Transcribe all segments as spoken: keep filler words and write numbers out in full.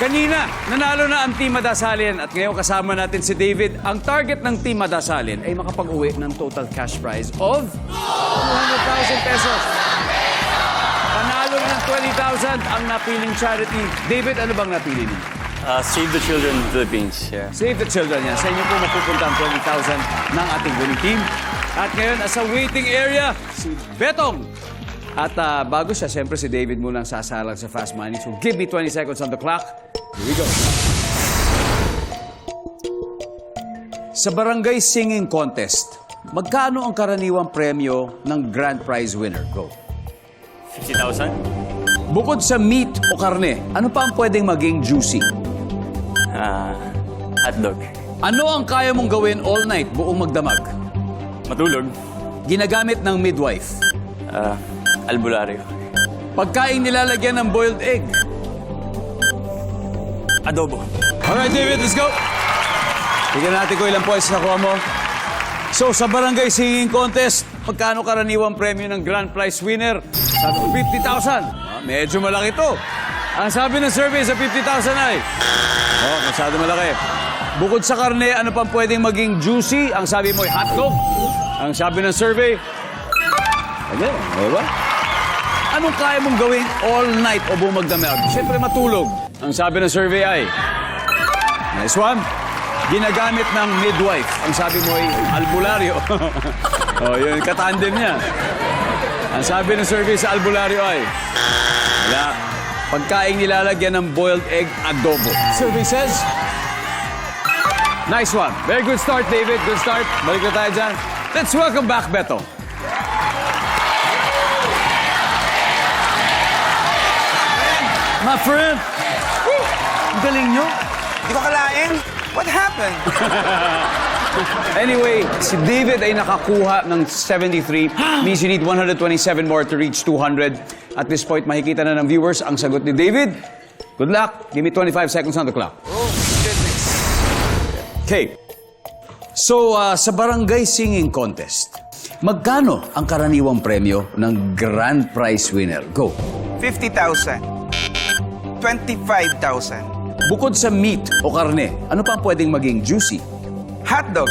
Kanina, nanalo na ang Team Madasalin at ngayon kasama natin si David. Ang target ng Team Madasalin ay makapag-uwi ng total cash prize of two hundred thousand pesos. Panalo na ng twenty thousand ang napiling charity. David, ano bang napili niyo? Uh, Save the Children Philippines. Yeah. Save the Children yan. Sa inyo po mapupunta ang twenty thousand ng ating winning team. At ngayon, sa waiting area, si Betong. At uh, bago siya, siyempre si David muna ang sasalang sa Fast Money. So give me twenty seconds on the clock. Here we go. Sa Barangay Singing Contest, magkano ang karaniwang premyo ng grand prize winner? Go. fifty thousand? Bukod sa meat o karne, ano pa ang pwedeng maging juicy? Uh, hotdog. Ano ang kaya mong gawin all night buong magdamag? Matulog. Ginagamit ng midwife. Uh, albularyo. Pagkain nilalagyan ng boiled egg. Adobo. Alright, David, let's go. Tignan natin kung ilang points nakuha mo. So, sa Barangay Singing Contest, magkano karaniwang premyo ng grand prize winner? Sabi ko, fifty thousand. Ah, medyo malaki to. Ang sabi ng survey sa fifty thousand ay, oh, masyado malaki. Bukod sa karne, ano pang pwedeng maging juicy? Ang sabi mo ay hotdog. Ang sabi ng survey, ano, di ba? Anong kaya mong gawin all night o buong magdamag? Siyempre matulog. Ang sabi ng survey ay, nice one. Ginagamit ng midwife. Ang sabi mo ay albularyo. Oh, yun, katandem niya. Ang sabi ng survey sa albularyo ay, wala. Pagkain nilalagyan ng boiled egg adobo. Survey says, nice one. Very good start, David. Good start. Balik na tayo dyan. Let's welcome back, Beto. My friend. Woo! Ang galing nyo. Di ko kalain. What happened? Anyway, si David ay nakakuha ng seventy-three. Means you need one hundred twenty-seven more to reach two hundred. At this point, makikita na ng viewers ang sagot ni David. Good luck. Give me twenty-five seconds on the clock. Oh, goodness. Okay. So, uh, sa Barangay Singing Contest, magkano ang karaniwang premyo ng grand prize winner? Go. fifty thousand. twenty-five thousand. Bukod sa meat o karne, ano pa ang pwedeng maging juicy? Hotdog.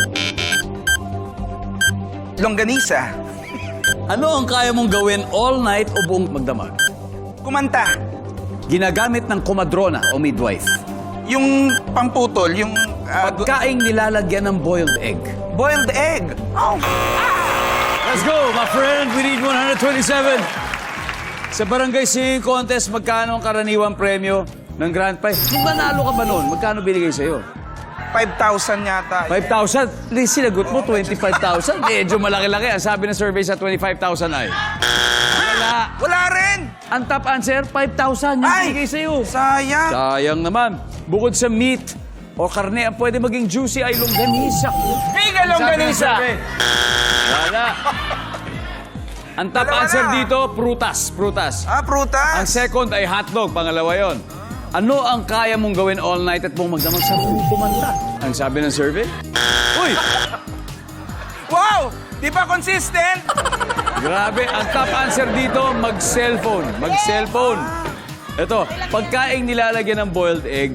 Longganisa. Ano ang kaya mong gawin all night o buong magdamag? Kumanta. Ginagamit ng komadrona o midwife. Yung pamputol, yung uh, Pagkaing nilalagyan ng boiled egg. boiled egg. Oh. Let's go, my friend. We need one hundred twenty-seven. Sa Barangay Singing Contest, magkano ang karaniwang premyo ng grand prize? Kung nanalo ka ba noon, magkano binigay sa'yo? five thousand yata. five thousand? Please, sinagot mo, twenty-five thousand. Medyo malaki-laki. Ang sabi ng survey sa twenty-five thousand ay... Wala. Wala rin. Ang top answer, five thousand yung Ay, binigay sa'yo. sayang. Sayang naman. Bukod sa meat o karne, ang pwede maging juicy ay longganisa. Mega longganisa. Wala. Ang top Dalawa answer na. dito, prutas. Prutas. Ah, prutas. Ang second ay hotdog. Pangalawa yon. Ano ang kaya mong gawin all night at mong magdamag sa kumanta? Ang sabi ng survey? Uy! Wow! Di ba consistent? Grabe. Ang top answer dito, mag-cellphone. Mag-cellphone. Ito, pagkaing nilalagyan ng boiled egg,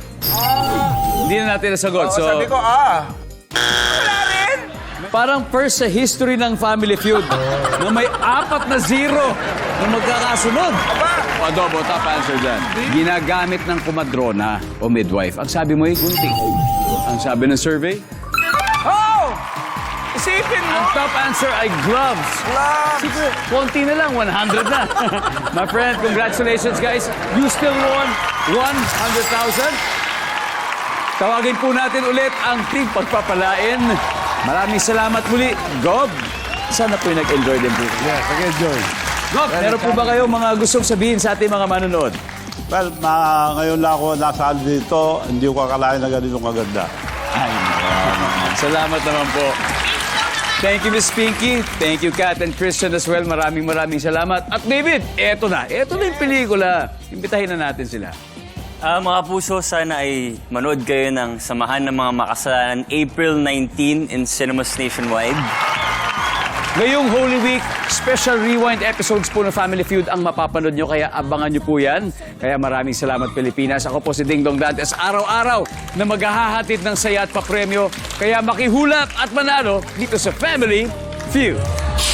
hindi na natin nasagot. Oo, So, sabi ko, ah. Wala rin. parang first sa history ng Family Feud na may apat na zero na magkakasunod. Aba. O, adobo, top answer dyan. Ginagamit ng kumadrona o midwife. Ang sabi mo ay kunti. Ang sabi ng survey? Oh! Isipin mo. Ang top answer ay gloves. Gloves. Sige, konti na lang, one hundred na. My friend, congratulations guys. You still won one hundred thousand. Tawagin po natin ulit ang team pagpapalain. Maraming salamat muli, Gob. Sana po nag-enjoy din po. Yes, nag-enjoy. Gob, meron po ba kayo mga gustong sabihin sa ating mga manonood? Well, ma ngayon lang ako nasaan dito, hindi ko kakalain na ganito kaganda. Ay, salamat naman po. Thank you, Miss Pinky. Thank you, Kat and Christian as well. Maraming maraming salamat. At David, eto na. Eto na yung pelikula. Imbitahin na natin sila. Ah, mga puso, sana ay manood kayo ng Samahan ng Mga Makasalanan April nineteenth in cinemas nationwide. Ngayong Holy Week, special rewind episodes po ng Family Feud ang mapapanood nyo, kaya abangan nyo po yan. Kaya maraming salamat, Pilipinas. Ako po si Ding Dong Dantes, araw-araw na maghahatid ng saya at papremyo. Kaya makihulap at manalo dito sa Family Feud.